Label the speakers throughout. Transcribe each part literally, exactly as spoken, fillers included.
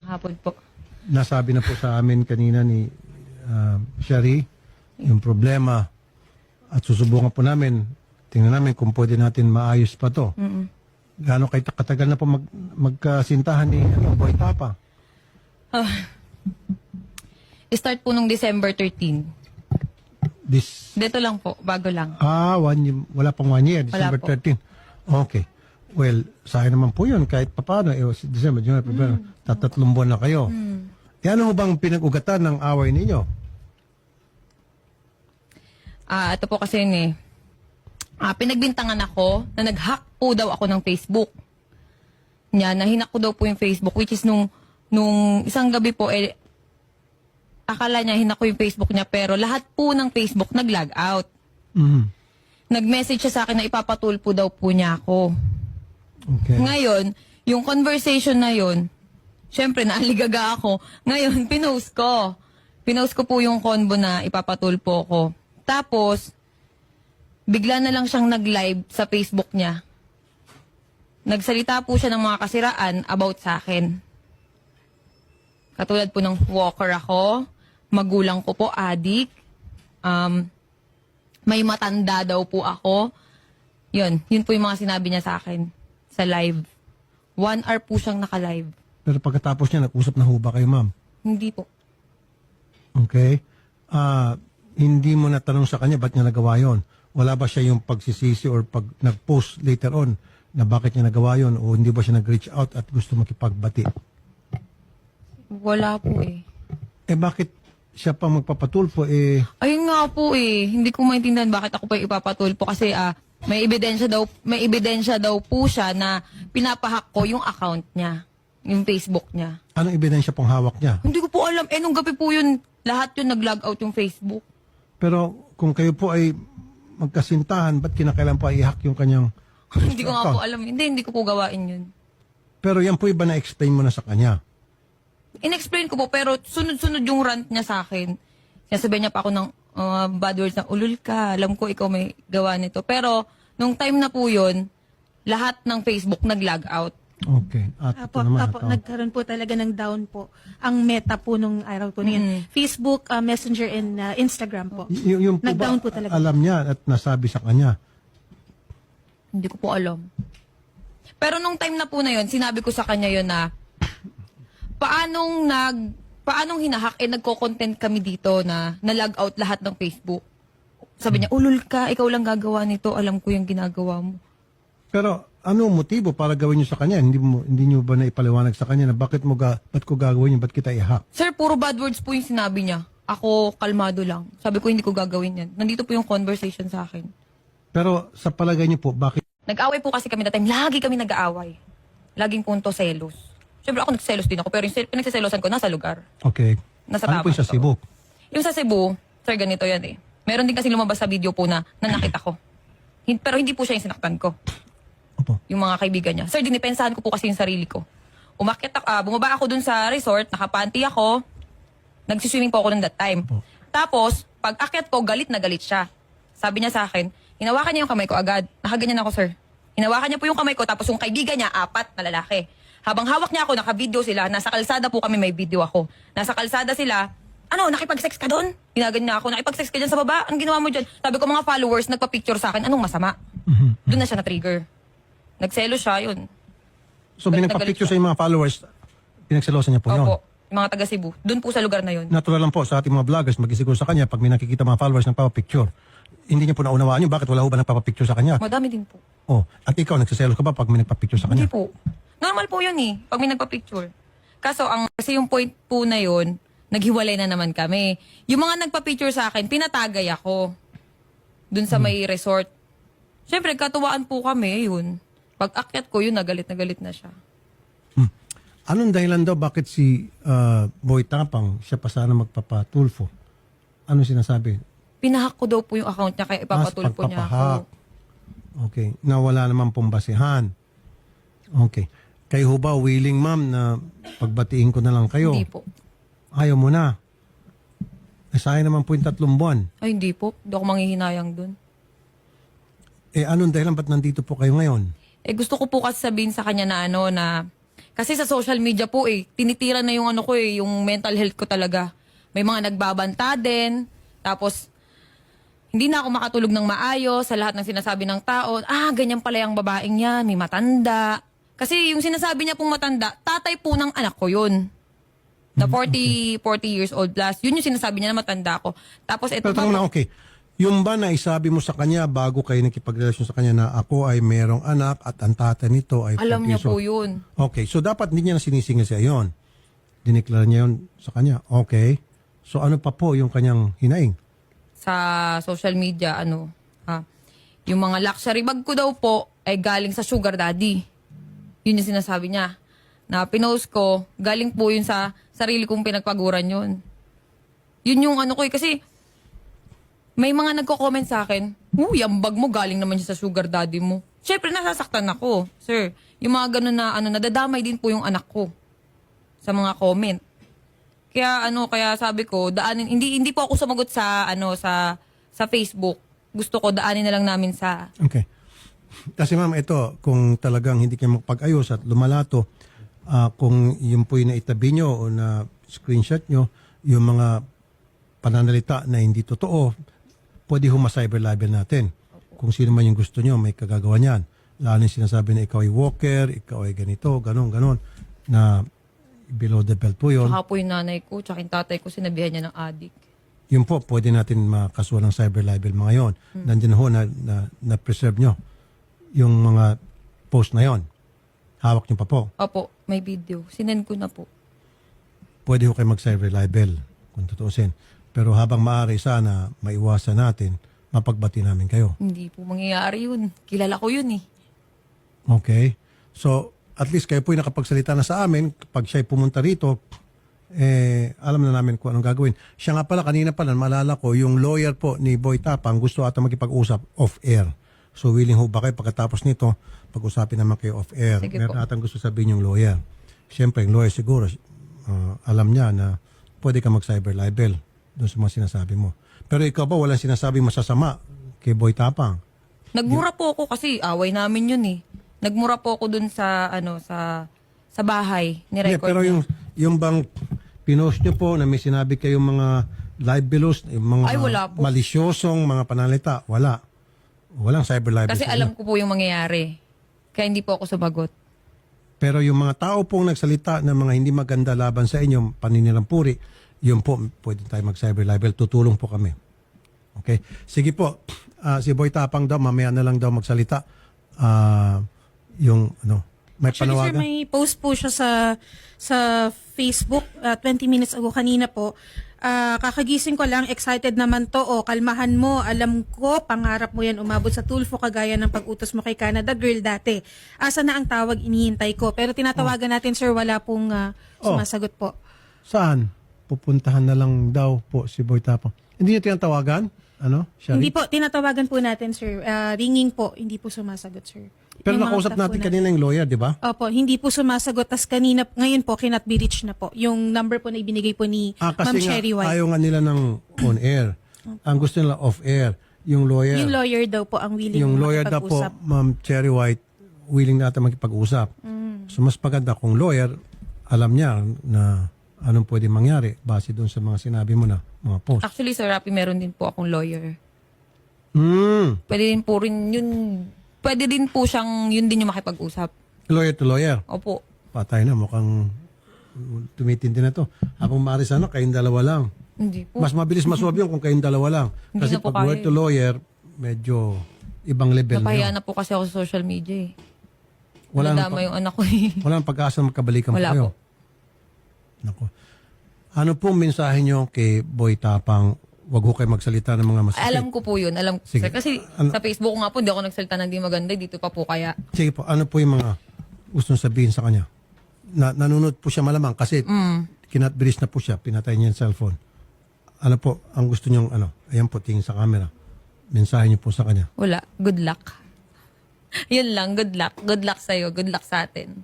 Speaker 1: Hapon po.
Speaker 2: Nasabi na po sa amin kanina ni uh, Shari yung problema at susubukan po namin, tingnan namin kung pwede natin maayos pa to.
Speaker 1: Mm-mm.
Speaker 2: Gaano kayo katagal na po mag, magkasintahan ni ano, Boy Tapang?
Speaker 1: Ah. Start po nung December thirteenth.
Speaker 2: This,
Speaker 1: Dito lang po, bago lang.
Speaker 2: ah, one, year- wala pang one year,
Speaker 1: Wala
Speaker 2: December
Speaker 1: po.
Speaker 2: thirteenth. Okay. Well, sa akin naman po yun, kahit papaano, eh, si December, January, February, tatatlong buwan na kayo.
Speaker 1: Mm.
Speaker 2: E ano ho bang pinag-ugatan ng away ninyo?
Speaker 1: Ah, ito po kasi yun eh. Ah, pinagbintangan ako na nag-hack po daw ako ng Facebook. Niya, nahinak ko daw po yung Facebook, which is nung, nung isang gabi po, eh, akala niya hinak ko yung Facebook niya, pero lahat po ng Facebook nag-log out.
Speaker 2: Mhm.
Speaker 1: Nag-message siya sa akin na ipapatulpo daw po niya ako.
Speaker 2: Okay.
Speaker 1: Ngayon, yung conversation na yun, syempre naaligaga ako. Ngayon, pinost ko. Pinost ko po yung convo na ipapatulpo ko. Tapos, bigla na lang siyang nag-live sa Facebook niya. Nagsalita po siya ng mga kasiraan about sa akin. Katulad po ng walker ako, magulang ko po, adik, um, may matanda daw po ako. Yun, yun po yung mga sinabi niya sa akin sa live. One hour po siyang naka-live.
Speaker 2: Pero pagkatapos niya, nag-usap na ho ba kayo, ma'am?
Speaker 1: Hindi po.
Speaker 2: Okay. Ah, hindi mo natanong sa kanya ba't niya nagawa yon? Wala ba siya yung pagsisisi or pag nag-post later on na bakit niya nagawa yon o hindi ba siya nag-reach out at gusto makipagbati?
Speaker 1: Wala po eh.
Speaker 2: Eh bakit siya pa magpapatulpo eh
Speaker 1: Ayun nga po eh. Hindi ko maintindihan bakit ako pa ipapatulpo kasi ah, may ebidensya daw, may ebidensya daw po siya na pinapahack ko yung account niya. Yung Facebook niya.
Speaker 2: anong ebidensya pong hawak niya?
Speaker 1: Hindi ko po alam. Eh, nung gabi po yun, lahat yun nag-log out yung Facebook.
Speaker 2: Pero kung kayo po ay magkasintahan, ba't kinakailan pa i-hack yung kanyang
Speaker 1: Hindi ko nga
Speaker 2: account?
Speaker 1: po alam. Hindi, hindi ko po gawain yun.
Speaker 2: Pero yan po iba na-explain mo na sa kanya.
Speaker 1: In-explain ko po, pero sunod-sunod yung rant niya sa akin. Sinasabihan niya pa ako ng uh, bad words na, ulul ka, alam ko ikaw may gawa nito. Pero, nung time na po yun, lahat ng Facebook nag-log out.
Speaker 2: Okay. At ito
Speaker 3: Apo,
Speaker 2: naman.
Speaker 3: apo,
Speaker 2: oh.
Speaker 3: nagkaroon po talaga ng down po ang meta po nung araw po na yun.
Speaker 1: Mm.
Speaker 3: Facebook, uh, Messenger, and uh, Instagram po.
Speaker 2: Y- yung po ba,
Speaker 3: Nag-down po talaga.
Speaker 2: alam niya at nasabi sa kanya?
Speaker 1: Hindi ko po alam. Pero nung time na po na yun, sinabi ko sa kanya yun na, paanong nag, paanong hinahack, eh nagko-content kami dito na na-log out lahat ng Facebook. Sabi niya, ulul ka, ikaw lang gagawa nito, alam ko yung ginagawa mo.
Speaker 2: Pero ano ang motibo para gawin niyo sa kanya? Hindi mo hindi niyo ba naipaliwanag sa kanya na bakit mo ga, ba't ko gagawin yun, ba't kita i-hack?
Speaker 1: Sir, puro bad words po yung sinabi niya. Ako, kalmado lang. Sabi ko, hindi ko gagawin yan. Nandito po yung conversation sa akin.
Speaker 2: Pero sa palagay niyo po, bakit?
Speaker 1: Nag-away po kasi kami that time. Lagi kami nag-aaway. Laging punto selos. Siyempre ako nagselos din ako, pero yung sel- pinagsaselosan ko nasa lugar.
Speaker 2: Okay.
Speaker 1: Nasa
Speaker 2: ano po
Speaker 1: tama
Speaker 2: yung sa
Speaker 1: to.
Speaker 2: Cebu?
Speaker 1: Yung sa Cebu, sir, ganito yan eh. Meron din kasi lumabas sa video po na nanakit ako. Hin- pero hindi po siya yung sinaktan ko.
Speaker 2: Opo.
Speaker 1: Yung mga kaibigan niya. Sir, dinipensahan ko po kasi yung sarili ko. Umakyat ako, ah, bumaba ako dun sa resort, nakapanty ako, nagsiswimming po ako nun that time.
Speaker 2: Opo.
Speaker 1: Tapos, pag akyat ko, galit na galit siya. Sabi niya sa akin, hinawakan niya yung kamay ko agad. Nakaganyan ako, sir. Hinawakan niya po yung kamay ko, tapos yung kaibigan niya, apat na lalaki. Habang hawak niya ako, naka-video sila, nasa kalsada po kami, may video ako. Nasa kalsada sila, ano, nakipag-sex ka doon? Ginaganyan niya ako, nakipag-sex ka dyan sa baba? Anong ginawa mo dyan? Sabi ko, mga followers, nagpa-picture sa akin, anong masama? Doon na siya na-trigger. Nagselo siya, yun.
Speaker 2: So may
Speaker 1: Galit na
Speaker 2: nagpa-picture
Speaker 1: galit
Speaker 2: sa inyong mga followers, pinagselosan niya po yun.
Speaker 1: Opo, yung mga taga Cebu. Doon po sa lugar na yun.
Speaker 2: Natural lang po sa ating mga vloggers, mag-isiguro sa kanya pag may nakikita mga followers ng papapicture. Hindi niya po naunawaan yun, bakit wala ho ba nagpapapicture sa kanya?
Speaker 1: Madami din po.
Speaker 2: Oh, at ikaw, nagsiselos ka ba pag may nagpa-picture sa
Speaker 1: Hindi
Speaker 2: kanya?
Speaker 1: po. Normal po yun eh, pag may nagpa-picture. Kaso, ang, kasi yung point po na yun, naghiwalay na naman kami. Yung mga nagpa-picture sa akin, pinatagay ako. Dun sa may resort. Siyempre, katuwaan po kami, yun. Pag akyat ko, yun, nagalit na galit na siya.
Speaker 2: Hmm. Anong dahilan daw bakit si ah, Boy Tapang, siya pa sana magpapatulfo? Ano sinasabi?
Speaker 1: Pinahack ko daw po yung account niya, kaya ipapatulpo niya
Speaker 2: pagpapahack.
Speaker 1: ako.
Speaker 2: Okay. Na wala naman pong basihan. Okay. Kayo ho ba willing, ma'am, na pagbatiin ko na lang kayo?
Speaker 1: Hindi po.
Speaker 2: Ayaw mo na. Eh, sayang naman po yung tatlong buwan.
Speaker 1: Ay, hindi po. Hindi ako manghihinayang dun.
Speaker 2: Eh, anong dahilan ba't nandito po kayo ngayon?
Speaker 1: Eh, gusto ko po kasi sabihin sa kanya na ano, na Kasi sa social media po eh, tinitira na yung ano ko eh, yung mental health ko talaga. May mga nagbabanta din. Tapos, hindi na ako makatulog ng maayos sa lahat ng sinasabi ng tao. Ah, ganyan pala yung babaeng yan, may matanda. Kasi yung sinasabi niya pong matanda, tatay po ng anak ko yun. Na forty, forty years old plus. Yun yung sinasabi niya na matanda ko. Tapos ito
Speaker 2: Pero
Speaker 1: pa
Speaker 2: tanong
Speaker 1: po,
Speaker 2: lang, okay. Yung ba na isabi mo sa kanya bago kayo nakipagrelasyon sa kanya na ako ay merong anak at ang tatay nito ay
Speaker 1: alam niya
Speaker 2: forty
Speaker 1: po
Speaker 2: years
Speaker 1: yun.
Speaker 2: old? Okay, so dapat hindi niya na sinisingil siya yon. Dineklara niya yon sa kanya. Okay. So ano pa po yung kanyang hinaing?
Speaker 1: Sa social media, ano, ha, yung mga luxury bag ko daw po ay galing sa sugar daddy. Yun yung sinasabi niya. Na pinost ko, galing po yun sa sarili kong pinagpaguran yun. Yun yung ano ko eh, kasi may mga nagko-comment sa akin, uy, ang bag mo galing naman siya sa sugar daddy mo. Siyempre, nasasaktan ako, sir. Yung mga ganun na, ano, nadadamay din po yung anak ko sa mga comment. Kaya, ano, kaya sabi ko, daanin, hindi, hindi po ako sumagot sa, ano, sa, sa Facebook. Gusto ko, daanin na lang namin sa,
Speaker 2: Okay. Kasi ma'am, ito, kung talagang hindi kayo magpag-ayos at lumalato, ah, kung yun po yung naitabi nyo o na screenshot nyo, yung mga pananalita na hindi totoo, pwede huma cyber libel natin. Kung sino man yung gusto nyo, may kagagawa niyan. Lalo yung sinasabi na ikaw ay walker, ikaw ay ganito, ganon, ganon, na below the belt po yun.
Speaker 1: saka po yung nanay ko, tsaka yung tatay ko, sinabihan niya ng adik.
Speaker 2: Yun po, pwede natin makasuhan ng cyber libel mga yon. Nandiyan ho na, na, na preserve nyo yung mga post na yon. Hawak nyo pa po.
Speaker 1: Opo, may video. Sinend ko na po.
Speaker 2: Pwede ho kayo mag-cyber libel kung tutuusin. Pero habang maaari sana maiwasan natin, mapagbati namin kayo.
Speaker 1: Hindi po mangyayari yun. Kilala ko yun eh.
Speaker 2: Okay? So, at least kayo po yung nakapagsalita na sa amin. Pag siya'y pumunta rito, eh, alam na namin kung anong gagawin. Siya nga pala, kanina pala, maalala ko, yung lawyer po ni Boy Tapang gusto ata makipag-usap off-air. So, willing ho ba kayo pagkatapos nito, pag-usapin naman kayo off-air.
Speaker 1: Sige
Speaker 2: Meron
Speaker 1: po.
Speaker 2: atang gusto sabihin yung lawyer. Siyempre, yung lawyer siguro, uh, alam niya na pwede ka mag-cyber libel doon sa mga sinasabi mo. Pero ikaw ba, walang sinasabi masasama kay Boy Tapang?
Speaker 1: Nagmura po ako kasi away namin yun eh. Nagmura po ako dun sa, ano, sa, sa bahay.
Speaker 2: Hindi,
Speaker 1: Ni-record
Speaker 2: pero
Speaker 1: niya.
Speaker 2: yung, yung bang pinost nyo po na may sinabi kayong mga libelos, yung mga
Speaker 1: Ay, wala po.
Speaker 2: malisyosong mga panalita, wala. Walang cyber libel.
Speaker 1: Kasi
Speaker 2: sa
Speaker 1: alam
Speaker 2: inyo.
Speaker 1: ko po yung mangyayari. Kaya hindi po ako sumagot.
Speaker 2: Pero yung mga tao pong nagsalita ng mga hindi maganda laban sa inyo, paninilang puri, yun po, pwede tayo mag-cyber libel. Tutulong po kami. Okay? Sige po, ah, si Boy Tapang daw, mamaya na lang daw magsalita. Ah, yung, ano, may
Speaker 3: Actually, sir,
Speaker 2: panawagan?
Speaker 3: may post po siya sa sa Facebook uh, twenty minutes ago kanina po. Ah, kakagising ko lang, excited naman to. O, kalmahan mo. Alam ko, pangarap mo yan umabot sa Tulfo kagaya ng pag-utos mo kay Canada Girl dati. Asa na ang tawag, inihintay ko. Pero tinatawagan natin, sir, wala pong ah,
Speaker 2: Oh.
Speaker 3: sumasagot po.
Speaker 2: Saan? Pupuntahan na lang daw po si Boy Tapang. Hindi niyo tinatawagan? Ano? Shari?
Speaker 3: Hindi po, tinatawagan po natin, sir. Ah, ringing po, hindi po sumasagot, sir.
Speaker 2: Pero
Speaker 3: Yung mga
Speaker 2: nakausap
Speaker 3: staff po
Speaker 2: natin kanina yung lawyer, di ba?
Speaker 3: Opo, hindi po sumasagot. Tas kanina, ngayon po, cannot be reached na po. Yung number po na ibinigay po ni
Speaker 2: Ah,
Speaker 3: Ma'am
Speaker 2: kasi nga,
Speaker 3: Cherry White.
Speaker 2: ayaw nga nila ng on-air. Ang gusto nila off-air. Yung lawyer,
Speaker 3: Yung lawyer daw po ang willing
Speaker 2: yung lawyer daw po,
Speaker 3: makipag-usap.
Speaker 2: Ma'am Cherry White, willing na ata makipag-usap.
Speaker 3: Mm.
Speaker 2: So mas maganda kung lawyer, alam niya na anong pwede mangyari base doon sa mga sinabi mo na mga post.
Speaker 1: Actually, Sir Rapi, meron din po akong lawyer.
Speaker 2: Hmm.
Speaker 1: Pwede din po rin yun, pwede din po siyang, yun din yung makipag-usap.
Speaker 2: Lawyer to lawyer.
Speaker 1: Opo.
Speaker 2: Patay na, mukhang tumitindi na to. Habang maaari sana, kayong dalawa lang.
Speaker 1: Hindi po.
Speaker 2: Mas mabilis masolve yun kung kayong dalawa lang.
Speaker 1: Hindi
Speaker 2: Kasi
Speaker 1: na po
Speaker 2: pag
Speaker 1: kaya
Speaker 2: word to
Speaker 1: eh.
Speaker 2: lawyer, medyo ibang level na
Speaker 1: Napahiya
Speaker 2: yun.
Speaker 1: na po kasi ako sa social media eh.
Speaker 2: Wala nang
Speaker 1: Nadama
Speaker 2: pa-
Speaker 1: yung anak ko eh.
Speaker 2: Wala nang pag-asa na magkabalikan pa
Speaker 1: Wala
Speaker 2: kayo.
Speaker 1: po.
Speaker 2: Nako. Ano pong mensahe nyo kay Boy Tapang? Wag ho kayo magsalita ng mga masasakit.
Speaker 1: Alam ko po yun. Alam ko.
Speaker 2: Sige.
Speaker 1: Sir, kasi
Speaker 2: Ano-
Speaker 1: sa Facebook ko nga po, hindi ako nagsalita ng di maganda. Dito pa po kaya.
Speaker 2: Sige po, ano po yung mga gustong sabihin sa kanya? Na, nanunod po siya malamang kasi
Speaker 1: Mm.
Speaker 2: kinatbiris na po siya, pinatay niya yung cellphone. Ano po, ang gusto niyong ano? Ayan po, tingin sa camera. Mensahe niyo po sa kanya.
Speaker 1: Wala. Good luck. Yun lang. Good luck. Good luck sa'yo. Good luck sa atin.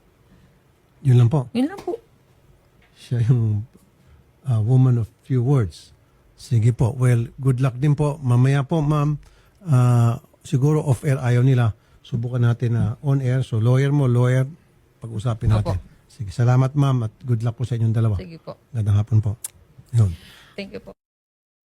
Speaker 2: Yun lang po.
Speaker 1: Yun lang po.
Speaker 2: Siya yung uh, woman of few words. Sige po. Well, good luck din po. Mamaya po, ma'am, uh, siguro off-air ayaw nila. Subukan natin na on-air. So, lawyer mo, lawyer, pag-usapin natin.
Speaker 1: Opo.
Speaker 2: Sige, salamat ma'am at good luck po sa inyong dalawa.
Speaker 1: Sige po.
Speaker 2: Gandang hapon po. Yun.
Speaker 1: Thank you po.